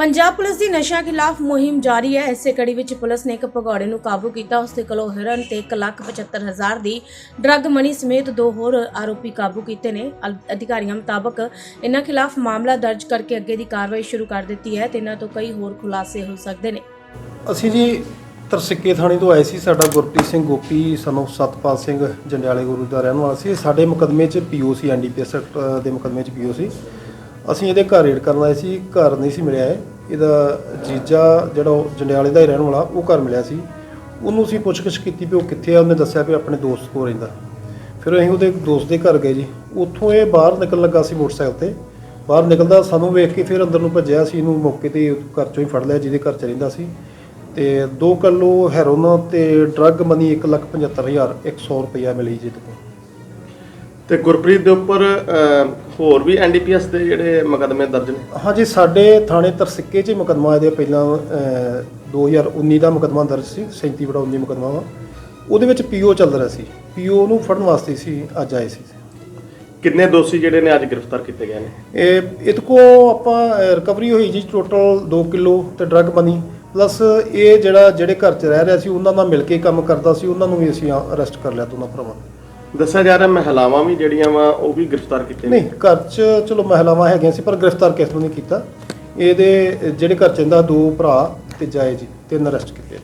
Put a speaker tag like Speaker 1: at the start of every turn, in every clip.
Speaker 1: Punjab police की नशा खिलाफ मुहिम जारी है। इसे कड़ी विच पुलिस ने एक भगौड़े नूं काबू किया। उसके कोलों हिरन ते 1,75,000 की ड्रग मनी समेत 2 होर आरोपी काबू किए ने। अधिकारियों मुताबक इन्हां खिलाफ मामला दर्ज करके अगे की कार्रवाई शुरू कर दी है। इन्हां तो कई होर खुलासे हो सकते हैं।
Speaker 2: ਅਸੀਂ ਜੀ ਤਰਸਿੱਕੇ ਥਾਣੇ ਤੋਂ ਆਏ ਸੀ। ਸਾਡਾ ਗੁਰਪ੍ਰੀਤ ਸਿੰਘ ਗੋਪੀ ਸਾਨੂੰ ਸਤਪਾਲ ਸਿੰਘ ਜੰਡਿਆਲੇ ਗੁਰੂ ਦਾ ਰਹਿਣ ਵਾਲਾ ਸੀ। ਸਾਡੇ ਮੁਕੱਦਮੇ 'ਚ ਪੀਓਸੀ ਐਨਡੀਪੀਐਸ ਦੇ ਮੁਕੱਦਮੇ 'ਚ ਪੀਓਸੀ ਅਸੀਂ ਇਹਦੇ ਘਰ ਰੇਡ ਕਰਨ ਆਏ ਸੀ। ਘਰ ਨਹੀਂ ਸੀ ਮਿਲਿਆ ਇਹਦਾ ਜੀਜਾ ਜਿਹੜਾ ਉਹ ਜੰਡਿਆਲੇ ਦਾ ਹੀ ਰਹਿਣ ਵਾਲਾ ਉਹ ਘਰ ਮਿਲਿਆ ਸੀ। ਉਹਨੂੰ ਅਸੀਂ ਪੁੱਛਗਿੱਛ ਕੀਤੀ ਵੀ ਉਹ ਕਿੱਥੇ ਆ। ਉਹਨੇ ਦੱਸਿਆ ਵੀ ਆਪਣੇ ਦੋਸਤ ਕੋਲ ਰਹਿੰਦਾ। ਫਿਰ ਅਸੀਂ ਉਹਦੇ ਦੋਸਤ ਦੇ ਘਰ ਗਏ ਜੀ। ਉੱਥੋਂ ਇਹ ਬਾਹਰ ਨਿਕਲਣ ਲੱਗਾ ਸੀ ਮੋਟਰਸਾਈਕਲ 'ਤੇ। ਬਾਹਰ ਨਿਕਲਦਾ ਸਾਨੂੰ ਵੇਖ ਕੇ ਫਿਰ ਅੰਦਰ ਨੂੰ ਭੱਜਿਆ ਸੀ। ਇਹਨੂੰ ਮੌਕੇ 'ਤੇ ਘਰ 'ਚੋਂ ਹੀ ਫੜ ਲਿਆ ਜਿਹਦੇ ਘਰ 'ਚ ਰਹਿੰਦਾ ਸੀ। ਤੇ 2 ਕਿਲੋ ਹੈਰੋਨ ਤੇ ਡਰੱਗ ਮਨੀ 1,75,100 ਰੁਪਇਆ ਮਿਲੀ ਜੀ ਤੋਂ।
Speaker 3: ਤੇ ਗੁਰਪ੍ਰੀਤ ਦੇ ਉੱਪਰ ਹੋਰ ਵੀ ਐਨਡੀਪੀਐਸ ਦੇ ਜਿਹੜੇ ਮੁਕੱਦਮੇ ਦਰਜ ਨੇ?
Speaker 2: ਹਾਂਜੀ, ਸਾਡੇ ਥਾਣੇ ਤਰਸਿੱਕੇ 'ਚ ਮੁਕੱਦਮਾ ਇਹਦੇ ਪਹਿਲਾਂ 2019 ਦਾ ਮੁਕੱਦਮਾ ਦਰਜ ਸੀ। 37/19 ਮੁਕੱਦਮਾ ਵਾ। ਉਹਦੇ ਵਿੱਚ ਪੀਓ ਚੱਲ ਰਿਹਾ ਸੀ। ਪੀਓ ਨੂੰ ਫੜਨ ਵਾਸਤੇ ਸੀ ਅੱਜ ਆਏ ਸੀ।
Speaker 3: ਕਿੰਨੇ ਦੋਸ਼ੀ ਜਿਹੜੇ ਨੇ ਅੱਜ ਗ੍ਰਿਫਤਾਰ ਕੀਤੇ ਗਏ ਨੇ?
Speaker 2: ਇਹਦੇ ਕੋ ਆਪਾਂ ਰਿਕਵਰੀ ਹੋਈ ਜੀ ਟੋਟਲ 2 ਕਿਲੋ ਤੇ ਡਰੱਗ ਮਨੀ ਪਲੱਸ ਇਹ ਜਿਹੜੇ ਘਰ 'ਚ ਰਹਿ ਰਿਹਾ ਸੀ ਉਹਨਾਂ ਨਾਲ ਮਿਲ ਕੇ ਕੰਮ ਕਰਦਾ ਸੀ। ਉਹਨਾਂ ਨੂੰ ਵੀ ਅਸੀਂ ਅਰੈਸਟ ਕਰ ਲਿਆ ਦੋਨਾਂ ਭਰਾਵਾਂ ਨੂੰ।
Speaker 3: ਦੱਸਿਆ ਜਾ ਰਿਹਾ ਮਹਿਲਾਵਾਂ ਵੀ ਜਿਹੜੀਆਂ ਵਾ ਉਹ ਵੀ ਗ੍ਰਿਫਤਾਰ ਕੀਤੇ
Speaker 2: ਨਹੀਂ, ਘਰ 'ਚ ਚਲੋ ਮਹਿਲਾਵਾਂ ਹੈਗੀਆਂ ਸੀ ਪਰ ਗ੍ਰਿਫਤਾਰ ਕਿਸ ਨੂੰ ਨਹੀਂ ਕੀਤਾ। ਇਹਦੇ ਜਿਹੜੇ ਘਰ 'ਚ ਇਹਦਾ 2 ਭਰਾ ਤੇ ਜਾਏ ਜੀ 3 ਅਰੈਸਟ ਕੀਤੇ।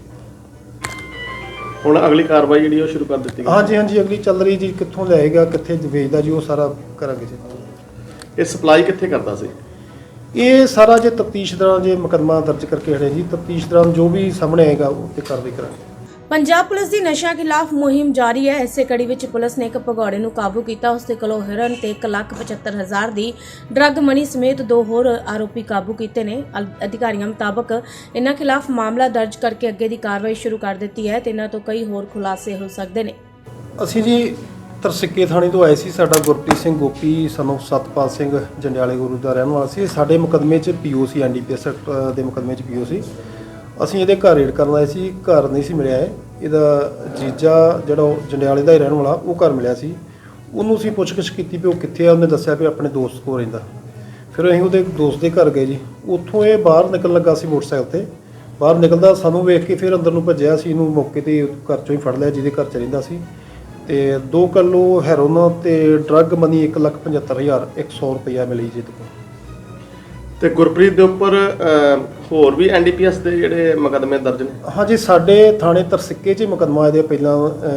Speaker 3: ਹੁਣ ਅਗਲੀ ਕਾਰਵਾਈ ਜਿਹੜੀ ਉਹ ਸ਼ੁਰੂ ਕਰ ਦਿੱਤੀ ਗਈ?
Speaker 2: ਹਾਂਜੀ, ਅਗਲੀ ਚੱਲ ਰਹੀ ਜੀ। ਕਿੱਥੋਂ ਲਿਆਏਗਾ, ਕਿੱਥੇ ਵੇਚਦਾ ਜੀ, ਉਹ ਸਾਰਾ ਕਰਾਂਗੇ ਜੀ।
Speaker 3: ਇਹ ਸਪਲਾਈ ਕਿੱਥੇ ਕਰਦਾ ਸੀ?
Speaker 2: ਇਹ ਸਾਰਾ ਜੇ ਤਫਤੀਸ਼ ਦੌਰਾਨ ਜੇ ਮੁਕੱਦਮਾ ਦਰਜ ਕਰਕੇ ਹੜੇ ਜੀ। ਤਫਤੀਸ਼ ਦੌਰਾਨ ਜੋ ਵੀ ਸਾਹਮਣੇ ਆਏਗਾ ਉਹ ਤੇ ਕਾਰਵਾਈ ਕਰਾਂਗੇ।
Speaker 1: पंजाब पुलिस की नशा खिलाफ मुहिम जारी है। इसे कड़ी विच पुलिस ने एक भगौड़े नूं काबू किया। उसके कोलों हिरन ते 1,75,000 की ड्रग मनी समेत 2 होर आरोपी काबू किए ने। अधिकारियों मुताबक इन्हां खिलाफ मामला दर्ज करके अगे की कार्रवाई शुरू कर दी है। इन्हां तो कई होर खुलासे हो सकते हैं।
Speaker 2: ਅਸੀਂ ਜੀ ਤਰਸਿੱਕੇ ਥਾਣੇ ਤੋਂ ਆਏ ਸੀ। ਸਾਡਾ ਗੁਰਪ੍ਰੀਤ ਸਿੰਘ ਗੋਪੀ ਸਾਨੂੰ ਸਤਪਾਲ ਸਿੰਘ ਜੰਡਿਆਲੇ ਗੁਰੂ ਦਾ ਰਹਿਣ ਵਾਲਾ ਸੀ। ਸਾਡੇ ਮੁਕੱਦਮੇ 'ਚ ਪੀਓਸੀ ਐਨਡੀਪੀਐਸ ਦੇ ਮੁਕੱਦਮੇ 'ਚ ਪੀਓਸੀ ਅਸੀਂ ਇਹਦੇ ਘਰ ਰੇਡ ਕਰਨ ਆਏ ਸੀ। ਘਰ ਨਹੀਂ ਸੀ ਮਿਲਿਆ ਇਹਦਾ ਜੀਜਾ ਜਿਹੜਾ ਉਹ ਜੰਡਿਆਲੇ ਦਾ ਹੀ ਰਹਿਣ ਵਾਲਾ ਉਹ ਘਰ ਮਿਲਿਆ ਸੀ। ਉਹਨੂੰ ਅਸੀਂ ਪੁੱਛਗਿੱਛ ਕੀਤੀ ਵੀ ਉਹ ਕਿੱਥੇ ਆ। ਉਹਨੇ ਦੱਸਿਆ ਵੀ ਆਪਣੇ ਦੋਸਤ ਕੋਲ ਰਹਿੰਦਾ। ਫਿਰ ਅਸੀਂ ਉਹਦੇ ਦੋਸਤ ਦੇ ਘਰ ਗਏ ਜੀ। ਉੱਥੋਂ ਇਹ ਬਾਹਰ ਨਿਕਲਣ ਲੱਗਾ ਸੀ ਮੋਟਰਸਾਈਕਲ 'ਤੇ। ਬਾਹਰ ਨਿਕਲਦਾ ਸਾਨੂੰ ਵੇਖ ਕੇ ਫਿਰ ਅੰਦਰ ਨੂੰ ਭੱਜਿਆ ਸੀ। ਇਹਨੂੰ ਮੌਕੇ 'ਤੇ ਘਰ 'ਚੋਂ ਹੀ ਫੜ ਲਿਆ ਜਿਹਦੇ ਘਰ 'ਚ ਰਹਿੰਦਾ ਸੀ। ਤੇ 2 ਕਿਲੋ ਹੈਰੋਨ ਤੇ ਡਰੱਗ ਮਨੀ 1,75,100 ਰੁਪਇਆ ਮਿਲੀ ਜੀ ਤੋਂ।
Speaker 3: ਤੇ ਗੁਰਪ੍ਰੀਤ ਦੇ ਉੱਪਰ ਹੋਰ ਵੀ ਐਨਡੀਪੀਐਸ ਦੇ ਜਿਹੜੇ ਮੁਕੱਦਮੇ ਦਰਜ ਨੇ?
Speaker 2: ਹਾਂਜੀ, ਸਾਡੇ ਥਾਣੇ ਤਰਸਿੱਕੇ 'ਚ ਮੁਕੱਦਮਾ ਇਹਦੇ ਪਹਿਲਾਂ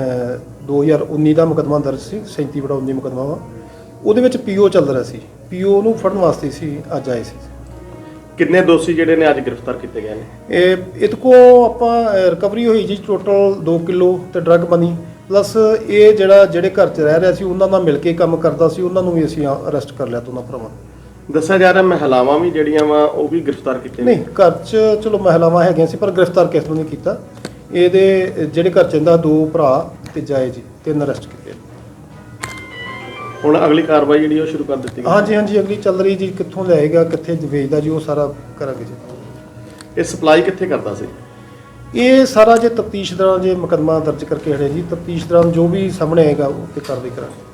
Speaker 2: 2019 ਦਾ ਮੁਕੱਦਮਾ ਦਰਜ ਸੀ। 37/19 ਮੁਕੱਦਮਾ ਵਾ। ਉਹਦੇ ਵਿੱਚ ਪੀਓ ਚੱਲ ਰਿਹਾ ਸੀ। ਪੀਓ ਨੂੰ ਫੜਨ ਵਾਸਤੇ ਸੀ ਅੱਜ ਆਏ ਸੀ।
Speaker 3: ਕਿੰਨੇ ਦੋਸ਼ੀ ਜਿਹੜੇ ਨੇ ਅੱਜ ਗ੍ਰਿਫਤਾਰ ਕੀਤੇ ਗਏ ਨੇ?
Speaker 2: ਇਹਦੇ ਕੋ ਆਪਾਂ ਰਿਕਵਰੀ ਹੋਈ ਜੀ ਟੋਟਲ 2 ਕਿਲੋ ਤੇ ਡਰੱਗ ਮਨੀ ਪਲੱਸ ਇਹ ਜਿਹੜੇ ਘਰ 'ਚ ਰਹਿ ਰਿਹਾ ਸੀ ਉਹਨਾਂ ਨਾਲ ਮਿਲ ਕੇ ਕੰਮ ਕਰਦਾ ਸੀ। ਉਹਨਾਂ ਨੂੰ ਵੀ ਅਸੀਂ ਅਰੈਸਟ ਕਰ ਲਿਆ ਦੋਨਾਂ ਭਰਾਵਾਂ ਨੂੰ।
Speaker 3: ਦੱਸਿਆ ਜਾ ਰਿਹਾ ਮਹਿਲਾਵਾਂ ਵੀ ਜਿਹੜੀਆਂ ਵਾ ਉਹ ਵੀ ਗ੍ਰਿਫਤਾਰ ਕੀਤੇ?
Speaker 2: ਨਹੀਂ, ਘਰ 'ਚ ਚਲੋ ਮਹਿਲਾਵਾਂ ਹੈਗੀਆਂ ਸੀ ਪਰ ਗ੍ਰਿਫਤਾਰ ਕਿਸ ਨੂੰ ਨਹੀਂ ਕੀਤਾ। ਇਹਦੇ ਜਿਹੜੇ ਘਰ 'ਚ ਇਹਦਾ 2 ਭਰਾ ਤੇ ਜਾਏ ਜੀ 3 ਅਰੈਸਟ ਕੀਤੇ।
Speaker 3: ਹੁਣ ਅਗਲੀ ਕਾਰਵਾਈ ਜਿਹੜੀ ਉਹ ਸ਼ੁਰੂ ਕਰ ਦਿੱਤੀ ਗਈ?
Speaker 2: ਹਾਂਜੀ, ਅਗਲੀ ਚੱਲ ਰਹੀ ਜੀ। ਕਿੱਥੋਂ ਲਿਆਏਗਾ, ਕਿੱਥੇ ਵੇਚਦਾ ਜੀ, ਉਹ ਸਾਰਾ ਕਰਾਂਗੇ ਜੀ।
Speaker 3: ਇਹ ਸਪਲਾਈ ਕਿੱਥੇ ਕਰਦਾ ਸੀ?
Speaker 2: ਇਹ ਸਾਰਾ ਜੇ ਤਫਤੀਸ਼ ਦੌਰਾਨ ਜੇ ਮੁਕੱਦਮਾ ਦਰਜ ਕਰਕੇ ਹੜੇ ਜੀ। ਤਫਤੀਸ਼ ਦੌਰਾਨ ਜੋ ਵੀ ਸਾਹਮਣੇ ਆਏਗਾ ਉਹ ਤੇ ਕਾਰਵਾਈ ਕਰਾਂਗੇ।